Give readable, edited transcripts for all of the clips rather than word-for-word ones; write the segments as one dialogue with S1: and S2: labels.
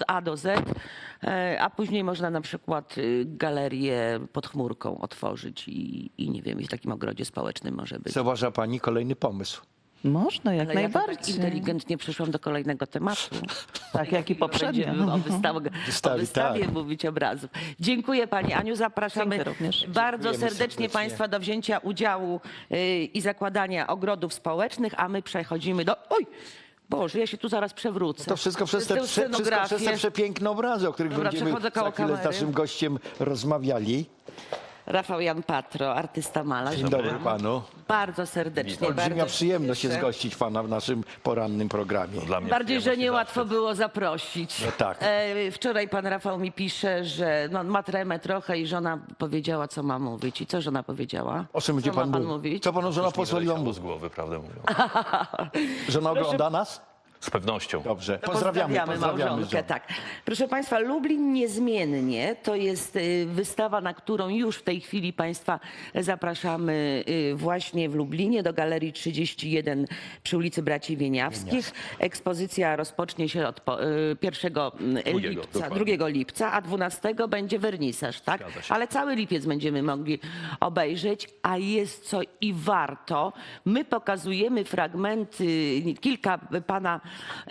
S1: A do Z, a później można na przykład galerię pod chmurką otworzyć i nie wiem, i w takim ogrodzie społecznym może być.
S2: Zauważa pani kolejny pomysł.
S3: Można, jak
S1: Ale ja to tak
S3: najbardziej.
S1: inteligentnie przeszłam do kolejnego tematu.
S3: Tak jak i poprzednio.
S1: Będziemy o
S2: Wystawi,
S1: wystawie
S2: tak.
S1: mówić obrazów. Dziękuję pani Aniu, zapraszamy
S3: Dziękuję również.
S1: bardzo
S2: Dziękujemy
S1: serdecznie
S2: serdecznie.
S1: państwa do wzięcia udziału i zakładania ogrodów społecznych, a my przechodzimy do... Oj! Boże, ja się tu zaraz przewrócę.
S2: To wszystko przez te,
S1: Tę
S2: wszystko przez te przepiękne obrazy, o których
S1: Dobra,
S2: będziemy
S1: przechodzę koło
S2: za chwilę z
S1: kamery.
S2: naszym gościem rozmawiali.
S1: Rafał Jan Patro, artysta malarz.
S2: Dzień dobry panu.
S1: Bardzo serdecznie.
S2: Olbrzymia
S1: bardzo
S2: przyjemność
S1: cieszę.
S2: jest gościć pana w naszym porannym programie.
S4: Dla mnie
S1: Bardziej, że
S4: przyjemność i
S1: niełatwo
S4: zaszczyt.
S1: było zaprosić.
S2: No tak.
S1: Wczoraj pan Rafał mi pisze, że no, ma tremę trochę i żona powiedziała, co ma mówić. I co żona powiedziała?
S2: O czym będzie
S1: co ma
S2: pan mówił?
S1: mówić?
S2: Co panu żona
S4: Już mi
S2: pozwoliła
S4: wyleciało
S2: mówić?
S4: z głowy, prawdę mówiąc.
S2: Żona ogląda nas?
S4: Z pewnością.
S2: Dobrze.
S1: To
S2: Pozdrawiamy
S1: małżonkę,
S2: żonę.
S1: tak. Proszę Państwa, Lublin niezmiennie to jest wystawa, na którą już w tej chwili Państwa zapraszamy właśnie w Lublinie do Galerii 31 przy ulicy Braci Wieniawskich. Ekspozycja rozpocznie się od 1 lipca, 2 lipca, a 12 będzie wernisaż, tak?
S4: Zgadza się.
S1: Ale cały lipiec będziemy mogli obejrzeć, a jest co i warto. My pokazujemy fragmenty, kilka pana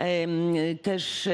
S1: też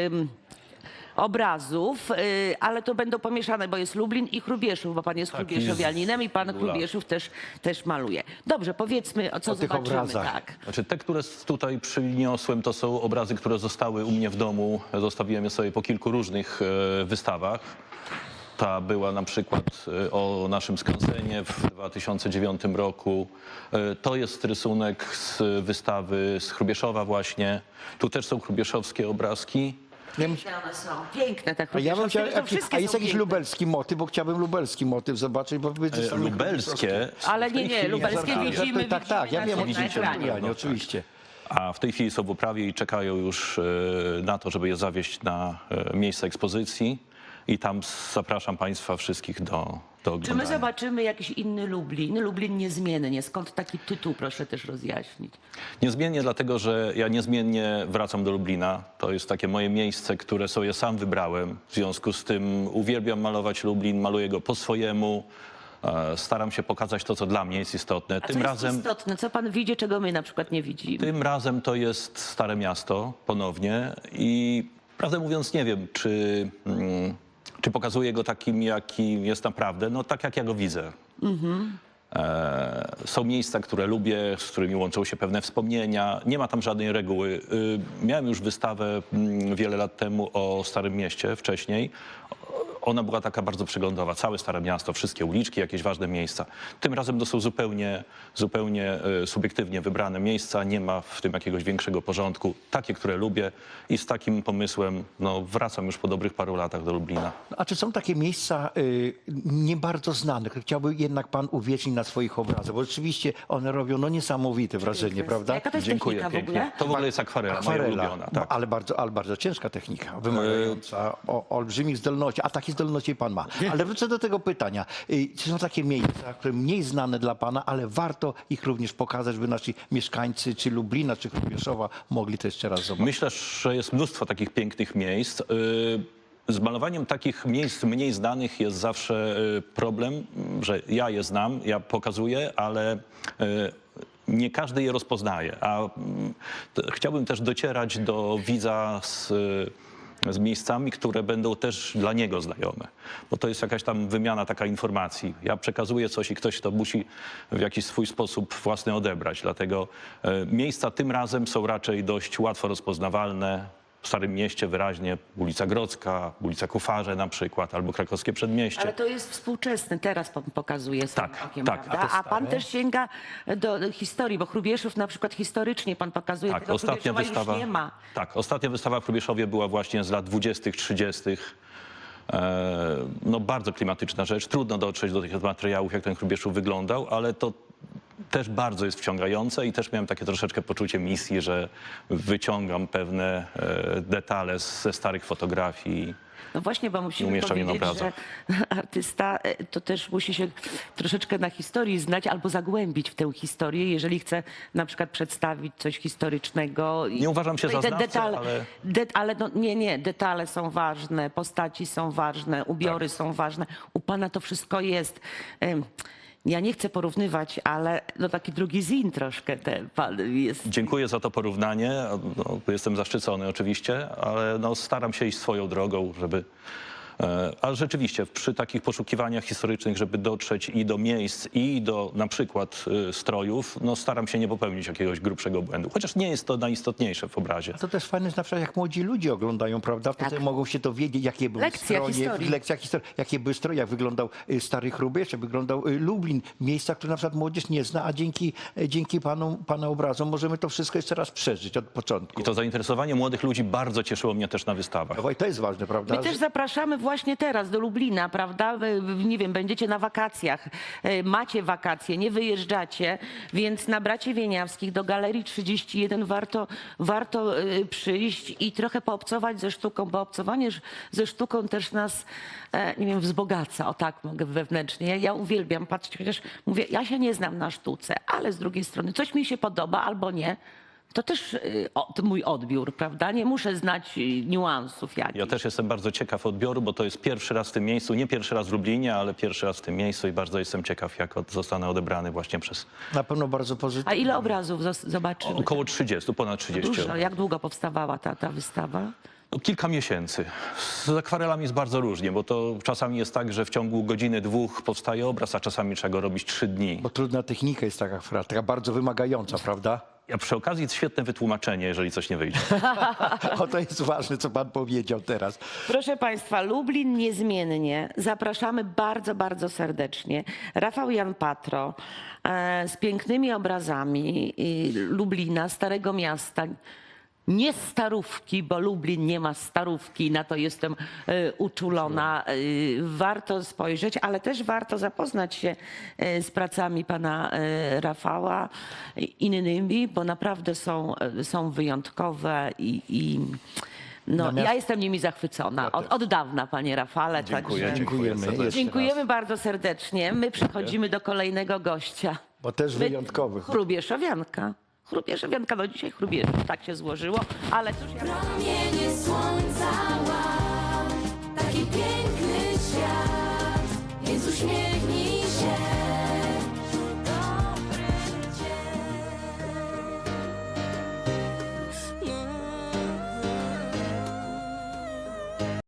S1: obrazów, ale to będą pomieszane, bo jest Lublin i Hrubieszów, bo pan jest Hrubieszowianinem i pan Hrubieszów też maluje. Dobrze, powiedzmy, o co
S2: O tych
S1: zobaczymy.
S2: obrazach.
S1: Tak.
S4: Znaczy, te, które tutaj przyniosłem, to są obrazy, które zostały u mnie w domu. Zostawiłem je sobie po kilku różnych wystawach. Ta była na przykład o naszym skansenie w 2009 roku. To jest rysunek z wystawy z Hrubieszowa właśnie. Tu też są hrubieszowskie obrazki.
S2: Ja bym-
S1: Piękne one są. Piękne te
S2: A ja bym
S1: Hrubieszowskie,
S2: chciał,
S1: to wszystkie
S2: a jest
S1: są
S2: jakiś
S1: piękne.
S2: lubelski motyw, bo chciałbym lubelski motyw zobaczyć, bo wy
S4: Lubelskie.
S1: Ale
S4: w tej
S1: nie,
S4: chwili-
S1: lubelskie
S4: żartuję.
S1: widzimy.
S2: Tak, tak, ja wiem,
S1: na ekranie.
S2: no, oczywiście.
S4: A w tej chwili są w uprawie i czekają już na to, żeby je zawieźć na miejsce ekspozycji. I tam zapraszam Państwa wszystkich do
S1: Czy my
S4: oglądania.
S1: zobaczymy jakiś inny Lublin? Lublin niezmiennie. Skąd taki tytuł, proszę też rozjaśnić.
S4: Niezmiennie dlatego, że ja niezmiennie wracam do Lublina. To jest takie moje miejsce, które sobie sam wybrałem. W związku z tym uwielbiam malować Lublin, maluję go po swojemu. Staram się pokazać to, co dla mnie jest istotne.
S1: A co jest istotne? Co pan widzi, czego my na przykład nie widzimy?
S4: Tym razem to jest Stare Miasto ponownie i prawdę mówiąc nie wiem, czy pokazuję go takim, jakim jest naprawdę, no tak jak ja go widzę. Są miejsca, które lubię, z którymi łączą się pewne wspomnienia. Nie ma tam żadnej reguły. Miałem już wystawę wiele lat temu o Starym Mieście wcześniej. Ona była taka bardzo przeglądowa. Całe Stare Miasto, wszystkie uliczki, jakieś ważne miejsca. Tym razem to są zupełnie subiektywnie wybrane miejsca. Nie ma w tym jakiegoś większego porządku. Takie, które lubię i z takim pomysłem no, wracam już po dobrych paru latach do Lublina.
S2: A czy są takie miejsca nie bardzo znane, które chciałby jednak pan uwiecznić na swoich obrazach? Bo rzeczywiście one robią no, niesamowite wrażenie, prawda?
S1: Jaka to jest
S4: Dziękuję
S1: technika w
S4: pięknie.
S1: ogóle?
S4: To w ogóle jest akwarela, moja ulubiona. Tak.
S2: ale bardzo ciężka technika, wymagająca olbrzymich zdolności, a takie zdolności pan ma. Ale wrócę do tego pytania. Czy są takie miejsca, które mniej znane dla pana, ale warto ich również pokazać, by nasi mieszkańcy czy Lublina, czy Hrubieszowa mogli to jeszcze raz zobaczyć?
S4: Myślę, że jest mnóstwo takich pięknych miejsc. Z malowaniem takich miejsc mniej znanych jest zawsze problem, że ja je znam, ja pokazuję, ale nie każdy je rozpoznaje. A chciałbym też docierać do widza z miejscami, które będą też dla niego znajome. Bo to jest jakaś tam wymiana taka informacji. Ja przekazuję coś i ktoś to musi w jakiś swój sposób własny odebrać. Dlatego miejsca tym razem są raczej dość łatwo rozpoznawalne. W Starym Mieście wyraźnie ulica Grodzka, ulica Kufarze na przykład, albo Krakowskie Przedmieście.
S1: Ale to jest współczesny, teraz pan pokazuje swoim
S4: Tak,
S1: okiem,
S4: tak.
S1: prawda? A pan też sięga do historii, bo Hrubieszów na przykład historycznie pan pokazuje,
S4: Tak,
S1: tego
S4: ostatnia
S1: Hrubieszowa
S4: wystawa,
S1: już nie ma.
S4: tak, ostatnia wystawa w Hrubieszowie była właśnie z lat 20., 30. No bardzo klimatyczna rzecz. Trudno dotrzeć do tych materiałów, jak ten Hrubieszów wyglądał, ale to też bardzo jest wciągające i też miałem takie troszeczkę poczucie misji, że wyciągam pewne detale ze starych fotografii.
S1: No właśnie, bo musimy
S4: umieszczam je na
S1: powiedzieć, że artysta to też musi się troszeczkę na historii znać albo zagłębić w tę historię, jeżeli chce na przykład przedstawić coś historycznego.
S4: Nie uważam się
S1: No
S4: za
S1: i te
S4: znawcę,
S1: detale,
S4: ale...
S1: ale no, nie, detale są ważne, postaci są ważne, ubiory są ważne. U pana to wszystko jest. Ja nie chcę porównywać, ale no taki drugi Zin troszkę pan jest.
S4: Dziękuję za to porównanie. No, jestem zaszczycony oczywiście, ale no, staram się iść swoją drogą, żeby... Ale rzeczywiście przy takich poszukiwaniach historycznych, żeby dotrzeć i do miejsc, i do na przykład strojów, no staram się nie popełnić jakiegoś grubszego błędu. Chociaż nie jest to najistotniejsze w obrazie.
S2: To też fajne jest na przykład, jak młodzi ludzie oglądają, prawda? Wtedy
S1: Tak.
S2: mogą się dowiedzieć, jakie były
S1: Lekcja
S2: stroje,
S1: historii.
S2: lekcja historii, jakie były stroje, jak wyglądał Stary Chrubiesz, jak wyglądał Lublin. Miejsca, które na przykład młodzież nie zna, a dzięki pana obrazom możemy to wszystko jeszcze raz przeżyć od początku.
S4: I to zainteresowanie młodych ludzi bardzo cieszyło mnie też na wystawach.
S2: I to jest ważne, prawda?
S1: My też zapraszamy właśnie teraz do Lublina, prawda? Nie wiem, będziecie na wakacjach, macie wakacje, nie wyjeżdżacie, więc na Bracie Wieniawskich do Galerii 31 warto przyjść i trochę poobcować ze sztuką, bo obcowanie ze sztuką też nas, nie wiem, wzbogaca, o tak mogę wewnętrznie. Ja uwielbiam patrzeć, chociaż mówię, ja się nie znam na sztuce, ale z drugiej strony coś mi się podoba albo nie. To też to mój odbiór, prawda? Nie muszę znać niuansów jakichś.
S4: Ja też jestem bardzo ciekaw odbioru, bo to jest pierwszy raz w tym miejscu, nie pierwszy raz w Lublinie, ale pierwszy raz w tym miejscu i bardzo jestem ciekaw, jak zostanę odebrany właśnie przez
S2: Na pewno bardzo pozytywne.
S1: A ile obrazów zobaczymy?
S4: około 30, ponad 30.
S1: Dużo. Jak długo powstawała ta wystawa?
S4: No, kilka miesięcy. Z akwarelami jest bardzo różnie, bo to czasami jest tak, że w ciągu godziny, dwóch powstaje obraz, a czasami trzeba go robić 3 dni.
S2: Bo trudna technika jest taka bardzo wymagająca, prawda?
S4: A przy okazji jest świetne wytłumaczenie, jeżeli coś nie wyjdzie.
S2: O, to jest ważne, co pan powiedział teraz.
S1: Proszę Państwa, Lublin niezmiennie. Zapraszamy bardzo, bardzo serdecznie. Rafał Jan Patro z pięknymi obrazami Lublina, Starego Miasta. Nie starówki, bo Lublin nie ma starówki, na to jestem uczulona. Warto spojrzeć, ale też warto zapoznać się z pracami pana Rafała, innymi, bo naprawdę są wyjątkowe no,
S2: Natomiast-
S1: ja jestem nimi zachwycona. Od dawna, panie Rafale.
S4: Dziękuję,
S1: Także
S4: dziękuję serdecznie.
S1: dziękujemy bardzo serdecznie. My przechodzimy do kolejnego gościa.
S2: Bo też wyjątkowych.
S1: Chrubieszowianka. Chrubieszowianka, no dzisiaj Chrubieszów, tak się złożyło, ale cóż ja...
S5: Promienie słońca, taki piękny.